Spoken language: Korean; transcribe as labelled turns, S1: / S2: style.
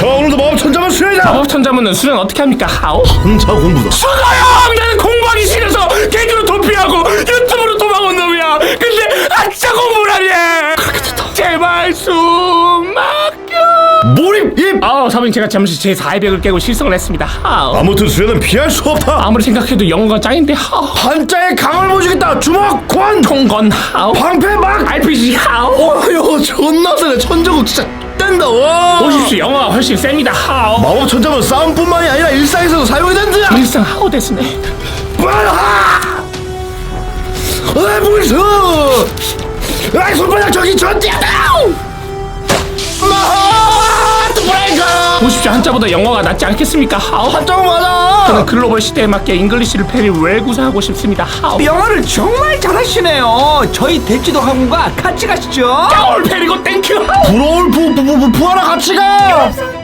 S1: 자, 오늘도 마법 천자문 수련이다.
S2: 마법 천자문은 수련 어떻게 합니까? 하오?
S1: 혼자 공부다.
S2: 수고요! 나는 공부하기 싫어서 개그로 도피하고 유튜브로 도망온 놈이야. 근데 아짜 공부를 하네. 제발 숨 막혀.
S1: 몰입 입.
S2: 사부님, 제가 잠시 제 400을 깨고 실성을 했습니다.
S1: 아무튼 수련은 피할 수 없다.
S2: 아무리 생각해도 영어가 짱인데.
S1: 한자의 강을 보여주겠다. 주먹 권.
S2: 통건
S1: 방패 막.
S2: RPG
S1: 어휴, 존나 세네. 천정국 진짜 뗀다. 와.
S2: 보십시오, 영어가 훨씬 셉니다.
S1: 마법 천자문 싸움뿐만이 아니라 일상에서도 사용이 된다.
S2: 일상 하오 됐으네.
S1: 빨라. 무서. 아이, 손바닥 저기 전띠하다.
S2: 보십시오, 한자보다 영어가 낫지 않겠습니까?
S1: 한자가 맞아.
S2: 저는 글로벌 시대에 맞게 잉글리시를 페리 웰 구사하고 싶습니다.
S3: 영어를 정말 잘하시네요. 저희 대치도 학원과 같이 가시죠.
S2: 올 페리고 땡큐.
S1: 부러울 부하라 같이 가.